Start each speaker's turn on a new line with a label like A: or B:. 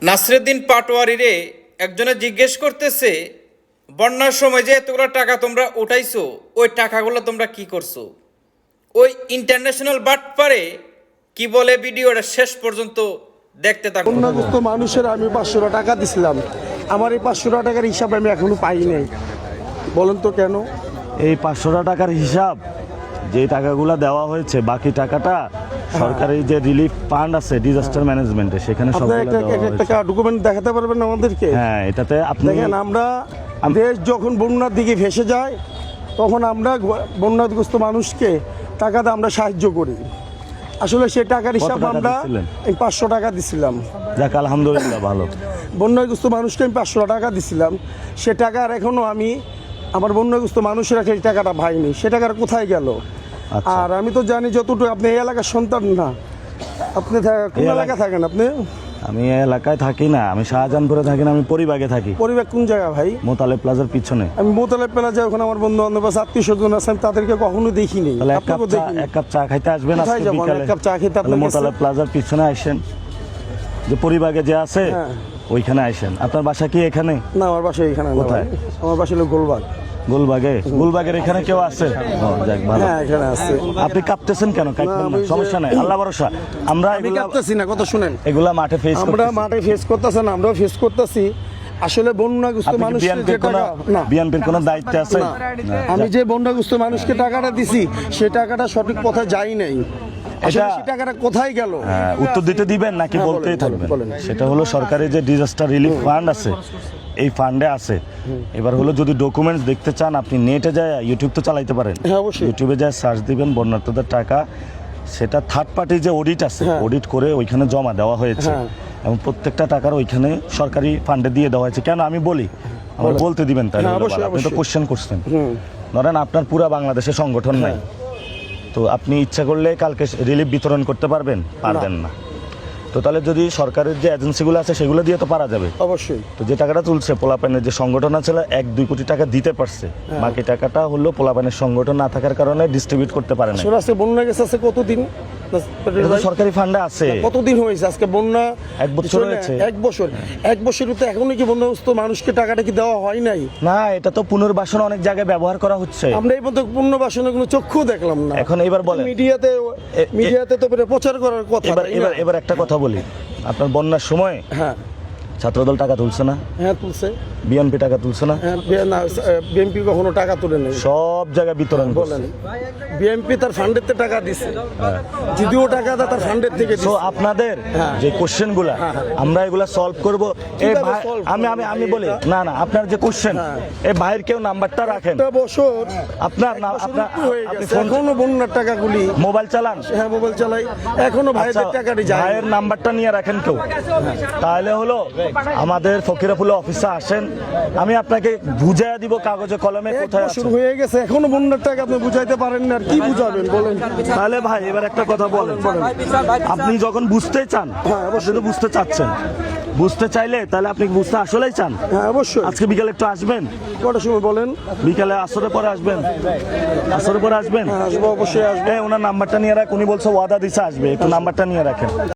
A: নাসিরুদ্দিন পাটোয়ারিরে একজনে জিজ্ঞেস করতেছে, বন্যার সময় যে এতগুলো টাকা তোমরা উঠাইছো, ওই টাকাগুলো তোমরা কি করছো? ওই ইন্টারন্যাশনাল বাটপারে কি বলে ভিডিওটা শেষ পর্যন্ত দেখতে থাকুন।
B: বন্যাগ্রস্ত মানুষের আমি 500 টাকা দিছিলাম, আমার এই 500 টাকার হিসাব আমি এখনো পাই নাই। বলেন তো কেন?
C: এই 500 টাকার হিসাব যে টাকাগুলো দেওয়া হয়েছে, বাকি টাকাটা সরকারি যে রিলিফ ফান্ড আছে ডিজাস্টার ম্যানেজমেন্টে, সেখানে
B: আপনি
C: সবগুলো
B: একটা
C: দেওয়া হয়েছে।
B: একটা ডকুমেন্ট দেখাতে পারবেন আমাদেরকে?
C: হ্যাঁ, এটাতে আপনি
B: দেখেন, আমরা দেশ যখন বন্যার দিকে ভেসে যায় তখন আমরা বন্যাগ্রস্ত মানুষকে টাকাতে আমরা সাহায্য করি। আসলে সেই টাকার হিসাব
C: টাকা
B: আমরা
C: দিছিলেন?
B: 500 টাকা দিছিলাম।
C: যাক, আলহামদুলিল্লাহ, ভালো।
B: বন্যাগ্রস্ত মানুষকে আমি 500 টাকা দিছিলাম। সে টাকার এখনো আমি আমার বন্যাগ্রস্ত মানুষেরা সেই টাকাটা পাইনি। সে টাকাটা কোথায় গেল?
C: আচ্ছা।
B: আর আমি তো জানি যতটুকু, আপনি এই এলাকার সন্তান না, আপনি কোন এলাকায় থাকেন? আপনি?
C: আমি এই এলাকায় থাকি না, আমি শাহজাহানপুরে থাকি না, আমি পরিবাগে থাকি।
B: পরিবার কোন জায়গা ভাই?
C: মোতালেব প্লাজার পিছনে।
B: আমি মোতালেব প্লাজা, ওখানে আমার বন্ধু বান্ধব আছে, আত্মীয় স্বজন আছে, আমি তাদেরকে কখনো দেখিনি।
C: তাহলে এক
B: আপনাকেও দেখিনি।
C: কাপ চা খাইতে আসবেন
B: কোথায়
C: আজকে
B: যাবো?
C: বিকালে?
B: এক কাপ চা খেতে আপনার কাছে?
C: মোতালেব প্লাজার পিছনে আসেন, যে পরিবাগে যে আছে
B: হ্যাঁ।
C: ওইখানে আসেন। আপনার বাসা কি এখানে?
B: না, আমার বাসা এখানে না
C: কোথায়?
B: ভাই। আমার বাসা হলো গোলবাগ।
C: গুলবাগের এখানে কেউ আছে? যাক, ভালো।
B: হ্যাঁ, এখানে আছে।
C: আপনি কাঁপতেছেন কেন? কাঁপবেন না,
B: আমি যে-
C: সমস্যা নাই, আল্লাহ ভরসা। আমরা
B: আমি কাঁপতেছি না, কথা শুনেন।
C: এগুলা মাঠে ফেস
B: আমরা মাঠে ফেস করতেছি না, আমরাও ফেস করতেছি। আসলে বন্যাগ্রস্ত মানুষকে যে টাকা, না,
C: বিএনপির কোনো দায়িত্ব আছে?
B: না, আমি যে বন্যাগ্রস্ত মানুষকে টাকাটা দিছি, সে টাকাটা সঠিক পথে যাই নাই। আসলে সেই টাকাটা কোথায় গেল?
C: হ্যাঁ, উত্তর দিতে দিবেন নাকি
B: হ্যাঁ,
C: বলতেই
B: বলেন,
C: থাকবেন?
B: বলেন।
C: সেটা হলো সরকারি যে ডিজাস্টার রিলিফ ফান্ড আছে, এই ফান্ডে আছে। এবার হলো যদি ডকুমেন্টস দেখতে চান, আপনি নেটে যায়, ইউটিউব তো চালাইতে পারেন।
B: হ্যাঁ, অবশ্যই।
C: ইউটিউবে যায় সার্চ দিবেন বন্যার্থদের টাকা, সেটা থার্ড পার্টি যে অডিট আছে,
B: হ্যাঁ।
C: অডিট করে ওইখানে জমা দেওয়া হয়েছে।
B: হ্যাঁ।
C: এবং প্রত্যেকটা টাকার ওইখানে সরকারি ফান্ডে দিয়ে দেওয়া হয়েছে। কেন আমি বলি, আমার
B: বলেন।
C: বলতে দিবেন তাই?
B: হ্যাঁ, অবশ্যই,
C: আপনি তো
B: অবশ্যই।
C: কোশ্চেন করছেন।
B: হুম।
C: ধরেন আপনার পুরা বাংলাদেশে সংগঠন নাই, তো আপনি ইচ্ছা করলে কালকে রিলিফ বিতরণ করতে পারবেন? পারবেন না। তো তাহলে যদি সরকারের যে এজেন্সিগুলো আছে সেগুলো দিয়ে তো পারা যাবে।
B: অবশ্যই।
C: তো যে টাকাটা তুলছে পোলাপানের যে সংগঠন আছে, 1-2 কোটি টাকা দিতে পারছে, বাকি টাকাটা হলো পোলাপানের সংগঠন না থাকার কারণে ডিস্ট্রিবিউট করতে পারে না।
B: আসলে আজকে বন্যা গেছে আছে কতদিন?
C: এটা তো সরকারি ফান্ডে আছে।
B: কতদিন হয়েছে আজকে বন্যা?
C: 1 বছর হয়েছে।
B: 1 বছর। 1 বছর তো এখনো কি বন্যাগ্রস্ত মানুষকে টাকাটা কি দেওয়া হয় নাই?
C: না, এটা তো পুনর্বাসন অনেক জায়গায় ব্যবহার করা হচ্ছে।
B: আমরা এই পর্যন্ত পুনর্বাসনের কোনো চক্ষু দেখলাম না।
C: এখন এবার বলেন,
B: মিডিয়াতে তো প্রচার করার কথা।
C: এবার একটা কথা বলি, আপনার বন্যার সময়
B: হ্যাঁ,
C: ছাত্রদল টাকা তুলছে না?
B: হ্যাঁ তুলছে।
C: বিএনপি টাকা তুলছে না?
B: হ্যাঁ, বিএনপি কখনো টাকা তুলে নেই।
C: সব জায়গায় বিতরণ করছে।
B: বলেন, বিএনপি তার ফান্ডের থেকে টাকা দিছে, যদিও টাকা তার ফান্ডের থেকে
C: তো
B: দিছে।
C: আপনাদের
B: হ্যাঁ।
C: যে কোশ্চেন গুলা আমরা এগুলা সলভ করব। এই
B: কিভাবে
C: ভাই,
B: solve
C: আমি আমি
B: করবেন
C: আমি বলি
B: এটা?
C: না, আপনার যে কোশ্চেন,
B: হ্যাঁ।
C: এই ভাইয়ের কেউ নাম্বারটা রাখেন।
B: একটা বছর,
C: আপনার
B: এক
C: না,
B: বছর
C: আপনার
B: উপরে হয়ে
C: আপনি
B: গেছে,
C: ফোন
B: এখনো বন্যার টাকাগুলি।
C: মোবাইল চালান?
B: হ্যাঁ, মোবাইল চালাই, এখনো ভাইদের
C: আচ্ছা,
B: টাকাটি যায়।
C: ভাইয়ের নাম্বারটা নিয়ে রাখেন কেউ। তাহলে হলো আমাদের ফকিরাপুলে অফিসে আসেন, আমি আপনাকে বুঝাইয়া দিব কাগজে কলমে
B: এক
C: কোথায় আছে।
B: বছর হয়ে গেছে, এখনো বন্যার টাকা আপনি বুঝাইতে পারেন না, আর কি বুঝাবেন বলেন?
C: তাহলে ভাই এবার একটা কথা বলেন, আপনি যখন বুঝতে চান,
B: হ্যাঁ,
C: অবশ্যই তো বুঝতে চাচ্ছেন, বুঝতে চাইলে তাহলে আপনি বুঝতে আসলেই চান।
B: হ্যাঁ, অবশ্যই।
C: আজকে বিকালে একটু আসবেন?
B: কটার সময় বলেন?
C: বিকালে আসরের পরে আসবেন? আসরের পরে আসবেন?
B: হ্যাঁ, আসবো, অবশ্যই আসবো।
C: ওনার নাম্বারটা নিয়ে রাখ, উনি বলছে ওয়াদা দিছে আসবে, একটু নাম্বারটা নিয়ে রাখেন।